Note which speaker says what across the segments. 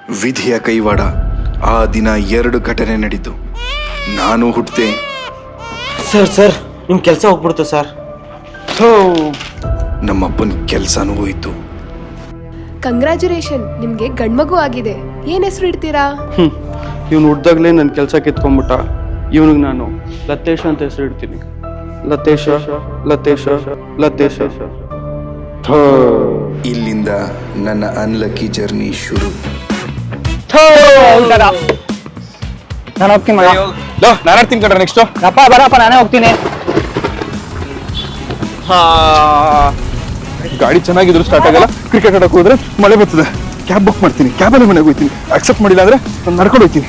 Speaker 1: ವಿಧಿಯ ಕೈವಾಡ. ಆ ದಿನ 2 ಘಟನೆ ನಡೀತು. ನಾನು ಹುಟ್ಟಿದೆ.
Speaker 2: ಸರ್ ನಿಮ್ ಕೆಲಸ ಹೋಗ್ಬಿಡ್ತು ಸರ್.
Speaker 1: ನಮ್ಮಪ್ಪನ ಕೆಲಸನೂ ಹೋಯ್ತು.
Speaker 3: ಕಂಗ್ರ್ಯಾಚುಲೇಷನ್, ನಿಮ್ಗೆ ಗಂಡ್ಮಗು ಆಗಿದೆ. ಏನ್ ಹೆಸರು ಇಡ್ತೀರಾ?
Speaker 4: ಇವ್ನು ಹುಡ್ದಾಗ್ಲೇ ನನ್ನ ಕೆಲಸ ಕಿತ್ಕೊಂಡ್ಬಿಟ್ಟ. ಇವನಿಗೆ ನಾನು ಲತೇಶ ಅಂತ ಹೆಸರು ಇಡ್ತೀನಿ. ಲತೇಶ ಲತೇಶ ಲತೇಶ.
Speaker 1: ಇಲ್ಲಿಂದ ನನ್ನ ಅನ್ಲಕ್ಕಿ ಜರ್ನಿ ಶುರು.
Speaker 2: ನಾನು ಹೋಗ್ತೀನಿ ಮಗ.
Speaker 4: ನಾನು ಆಡ್ತೀನಿ ಕಣ್ರ. ನೆಕ್ಸ್ಟ್
Speaker 2: ಅಪ್ಪ ಬರಪ್ಪ, ನಾನೇ ಹೋಗ್ತೀನಿ.
Speaker 4: ಗಾಡಿ ಚೆನ್ನಾಗಿದ್ರು ಸ್ಟಾರ್ಟ್ ಆಗಲ್ಲ. ಕ್ರಿಕೆಟ್ ಆಡಕ್ಕೆ ಹೋದ್ರೆ ಮಳೆ ಬರ್ತದೆ. ಕ್ಯಾಬ್ ಬುಕ್ ಮಾಡ್ತೀನಿ, ಕ್ಯಾಬಲ್ಲಿ ಮನೆಗೆ ಹೋಗ್ತೀನಿ. ಅಕ್ಸೆಪ್ಟ್ ಮಾಡಿಲ್ಲ ಅಂದ್ರೆ ನಾನು ನಡ್ಕೊಂಡು ಹೋಗ್ತೀನಿ.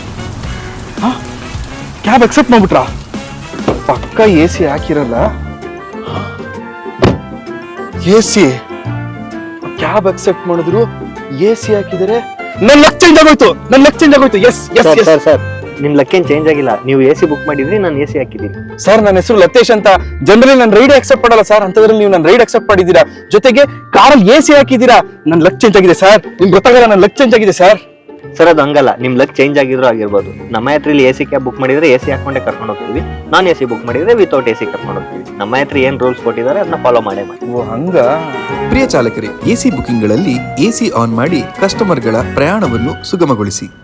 Speaker 4: ಕ್ಯಾಬ್ ಅಕ್ಸೆಪ್ಟ್ ಮಾಡ್ಬಿಟ್ರ? ಪಕ್ಕ AC ಹಾಕಿರಲ್ಲ. AC ಕ್ಯಾಬ್ ಅಕ್ಸೆಪ್ಟ್ ಮಾಡಿದ್ರು, AC ಹಾಕಿದರೆ ನನ್ನ ಲಕ್ ಚೇಂಜ್ ಆಗೋಯ್ತು. ಎಸ್
Speaker 2: ಸರ್ ನಿಮ್ ಲಕ್ಕೇನ್ ಚೇಂಜ್ ಆಗಿಲ್ಲ. ನೀವು AC ಬುಕ್ ಮಾಡಿದ್ರಿ, ನಾನು AC ಹಾಕಿದ್ದೀನಿ.
Speaker 4: ಸರ್ ನನ್ನ ಹೆಸರು ಲತೇಶ್ ಅಂತ. ಜನರಲಿ ನನ್ನ ರೈಡ್ ಅಕ್ಸೆಪ್ಟ್ ಮಾಡಲ್ಲ ಸರ್. ಅಂತದ್ರಲ್ಲಿ ನೀವು ನನ್ನ ರೈಡ್ ಅಕ್ಸೆಪ್ಟ್ ಮಾಡಿದ್ದೀರಾ, ಜೊತೆಗೆ ಕಾರಲ್ಲಿ AC ಹಾಕಿದ್ದೀರಾ. ನನ್ನ ಲಕ್ ಚೇಂಜ್ ಆಗಿದೆ ಸರ್. ನಿಮ್ಗೆ ಗೊತ್ತಾಗಲ್ಲ, ನನ್ನ ಲಕ್ ಚೇಂಜ್ ಆಗಿದೆ ಸರ್.
Speaker 2: ಸರ್ ಅದು ಹಂಗಲ್ಲ, ನಿಮ್ ಲಕ್ ಚೇಂಜ್ ಆಗಿದ್ರು ಆಗಿರ್ಬೋದು. ನಮ್ಮ ಹತ್ರಲಿ AC ಕ್ಯಾಬ್ ಬುಕ್ ಮಾಡಿದ್ರೆ AC ಹಾಕೊಂಡೆ ಕರ್ಕೊಂಡು ಹೋಗ್ತೀವಿ. ನಾನ್ AC ಬುಕ್ ಮಾಡಿದ್ರೆ ವಿತೌಟ್ AC ಕರ್ಕೊಂಡು ಹೋಗ್ತೀವಿ. ನಮ್ಮ ಹತ್ರ ಏನ್ ರೂಲ್ಸ್ ಕೊಟ್ಟಿದ್ದಾರೆ ಅದನ್ನ ಫಾಲೋ ಮಾಡೇ ಮಾಡಿ.
Speaker 4: ಓ ಹಂಗ.
Speaker 5: ಪ್ರಿಯ ಚಾಲಕರೇ, AC ಬುಕಿಂಗ್ಗಳಲ್ಲಿ AC ಆನ್ ಮಾಡಿ ಕಸ್ಟಮರ್ಗಳ ಪ್ರಯಾಣವನ್ನು ಸುಗಮಗೊಳಿಸಿ.